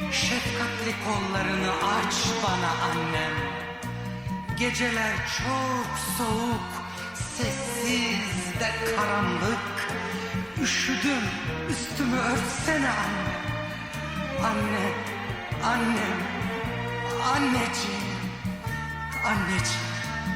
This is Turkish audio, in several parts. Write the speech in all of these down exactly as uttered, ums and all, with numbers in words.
Şefkatli kollarını aç bana annem. Geceler çok soğuk, sessiz de karanlık. Üşüdüm, üstümü örtsene anne. Anne, annem, anneciğim, anneciğim.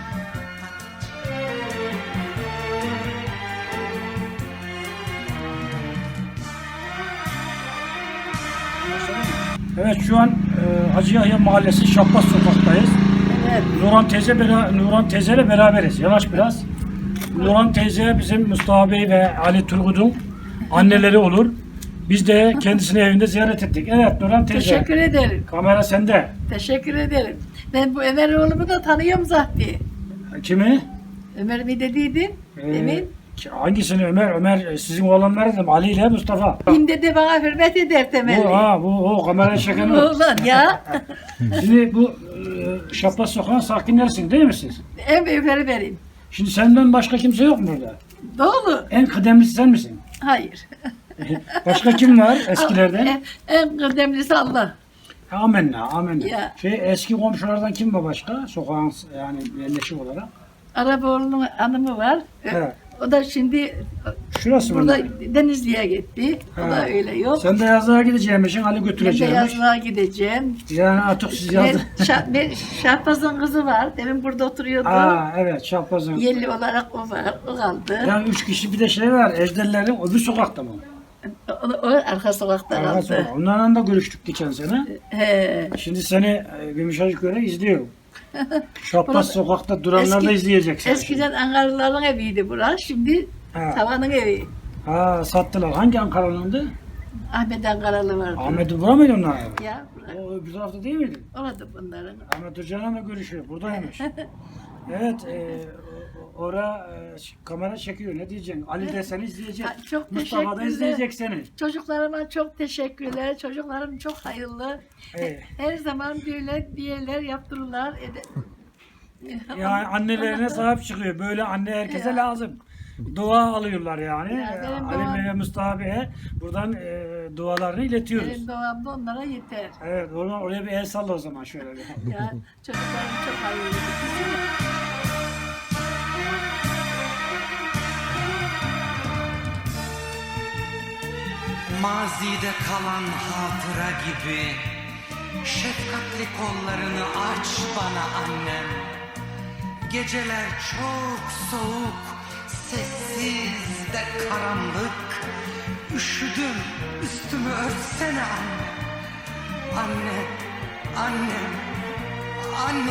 Evet, şu an e, Hacı Yahya Mahallesi Şahbaz Sokak'tayız. Evet. Nurhan teyze bera- Nurhan teyzeyle beraberiz. Yavaş biraz. Nurhan teyze bizim Mustafa Bey ve Ali Turgut'un anneleri olur. Biz de kendisini evinde ziyaret ettik. Evet Nurhan teyze. Teşekkür ederim. Kamera sende. Teşekkür ederim. Ben bu Ömer oğlumu da tanıyorum zaten. Kimi? Ömer mi dediydin? Ee, Emin. ki- Hangisini Ömer? Ömer e, sizin oğlanlar dedim. Ali ile Mustafa. Binde de bana hürmet eder temelli. Bu, ha, bu o kamera çeken o. Ulan ya. Şimdi bu e, Şahbaz Sokak'ın sakinlerisin değil mi siz? En büyükleri benim. Şimdi senden başka kimse yok mu burada? Doğru. En kıdemlisi sen misin? Hayır. Başka kim var eskilerden? En, en kıdemlisi Allah. Amenna, amenna. Ya. Şey, eski komşulardan kim var başka? Sokağın yani yerleşik olarak. Araboğlu'nun hanımı var. Evet. O da şimdi Şurası mı? burada Denizli'ye gitti. O Ha. da öyle yok. Sen de yazlığa gideceğimişsin, Ali Ben de götüreceğimiş. yazlığa gideceğim. Yani artık siz Ben, yazdı. Şah, ben Şahbaz'ın kızı var. Demin burada oturuyordu. Aa evet, Şahbaz'ın. Yerli olarak o var. O kaldı. Yani üç kişi bir de şey var, Ejderlerin öbür sokakta mı? O, o arka sokakta Arka kaldı. sokak. Onlarla da görüştük geçen sene. He. Şimdi seni e, Gümüşhacık göre izliyorum. Şahbaz sokakta duranlar da Eski- izleyecek seni. Eskiden Ankaralıların eviydi burası. Şimdi Ha. tavanın evi. Ha, sattılar. Hangi Ankaralı'ndı? Ahmet Ankaralı vardı. Ahmet'i bura mıydı onlar? Ya O öbür tarafta değil miydi? orada bunların. Ahmet Hoca'yla da görüşüyor. Buradaymış. Evet. E, ora e, kamera çekiyor. Ne diyeceksin? Ali de seni izleyecek. Ha, çok Mustafa da teşekkürler. izleyecek seni. Çocuklarıma çok teşekkürler. Çocuklarım çok hayırlı. Evet. Her zaman böyle diyeler yaptırırlar. Ede- Yani annelerine sahip çıkıyor. Böyle anne herkese Ya. lazım. Dua alıyorlar yani. Ya benim Ali duam- Bey ve Mustafa Bey'e buradan e, dualarını iletiyoruz. Benim doğamda onlara yeter. Evet, oradan oraya bir el salla o zaman şöyle bir. Ya çocuklarım çok hayırlı. Mazide kalan hatıra gibi şefkatli kollarını aç bana annem. Geceler çok soğuk, sessiz de karanlık. Üşüdüm, üstümü örtsene anne. Anne, annem, anne.